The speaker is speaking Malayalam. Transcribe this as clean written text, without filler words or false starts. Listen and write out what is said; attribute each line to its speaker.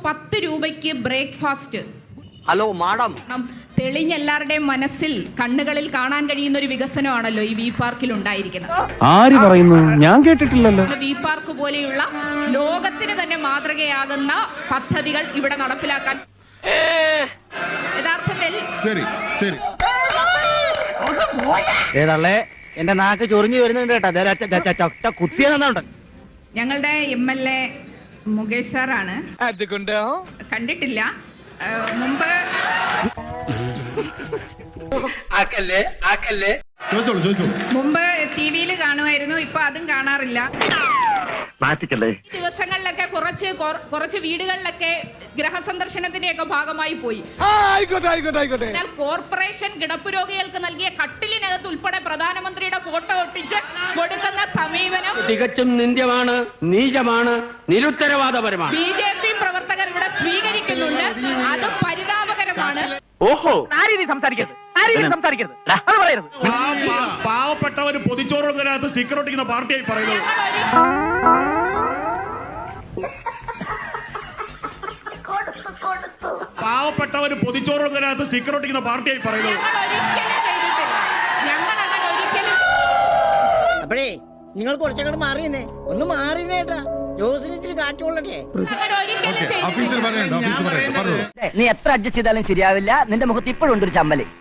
Speaker 1: 10 രൂപയ്ക്ക് ബ്രേക്ക്ഫാസ്റ്റ്.
Speaker 2: ഹലോ മാഡം,
Speaker 1: തെളിഞ്ഞ എല്ലാവരുടെയും മനസ്സിൽ കണ്ണുകളിൽ കാണാൻ കഴിയുന്ന ഒരു വികസനമാണല്ലോ ഈ വി പാർക്കിൽ ഉണ്ടായിരിക്കുന്നത്.
Speaker 3: ആര് പറയുന്നു? ഞാൻ കേട്ടിട്ടില്ലല്ലോ.
Speaker 1: വി പാർക്ക് പോലെയുള്ള ലോകത്തിന് തന്നെ മാതൃകയാകുന്ന പദ്ധതികൾ ഇവിടെ നടപ്പിലാക്കാൻ യഥാർത്ഥത്തിൽ
Speaker 2: ഏതല്ലേ എന്റെ നാക്ക് ചൊറിഞ്ഞു വരുന്നുണ്ട് കേട്ടോ, കുത്തിയെന്നുണ്ട്.
Speaker 4: ഞങ്ങളുടെ MLA മുകേഷ് സാറാണ്. കണ്ടിട്ടില്ല മുമ്പ്. മുമ്പ് TV-യിൽ കാണുമായിരുന്നു, ഇപ്പൊ അതും കാണാറില്ല.
Speaker 1: ദിവസങ്ങളിലൊക്കെ കുറച്ച് വീടുകളിലൊക്കെ ഗൃഹസന്ദർശനത്തിന്റെയൊക്കെ ഭാഗമായി പോയി. എന്നാൽ കോർപ്പറേഷൻ കിടപ്പ് രോഗികൾക്ക് നൽകിയ കട്ടിലിനകത്ത് ഉൾപ്പെടെ പ്രധാനമന്ത്രിയുടെ ഫോട്ടോ ഒട്ടിച്ച് കൊടുക്കുന്ന സമീപനം
Speaker 2: തികച്ചും നിന്ദ്യമാണ്, നീചമാണ്, നിരുത്തരവാദപരമാണ്.
Speaker 1: BJP പ്രവർത്തകർ ഇവിടെ സ്വീകരിക്കുന്നുണ്ട്. അത് പരിതാപകരമാണ്.
Speaker 2: ഓഹോ,
Speaker 5: പാവപ്പെട്ടവന് പൊതിച്ചോറുന്നതിനകത്ത് സ്റ്റിക്കർ ഒട്ടിക്കുന്ന പാർട്ടിയായി പറയുന്നത്. പാവപ്പെട്ടവന് പൊതിച്ചോറുന്നതിനകത്ത് സ്റ്റിക്കർ ഒട്ടിക്കുന്ന പാർട്ടിയായി പറയുന്നത്.
Speaker 6: അപ്പോഴേ നിങ്ങൾ കുറച്ചങ്ങോട്ട് മാറിയെന്നേ, ഒന്ന് മാറിയേട്ടാ. ജോസിന് കാറ്റുകൊള്ളട്ടെ.
Speaker 7: നീ എത്ര അഡ്ജസ്റ്റ് ചെയ്താലും ശരിയാവില്ല. നിന്റെ മുഖത്ത് ഇപ്പോഴും ഉണ്ട് ഒരു ചമ്മല്.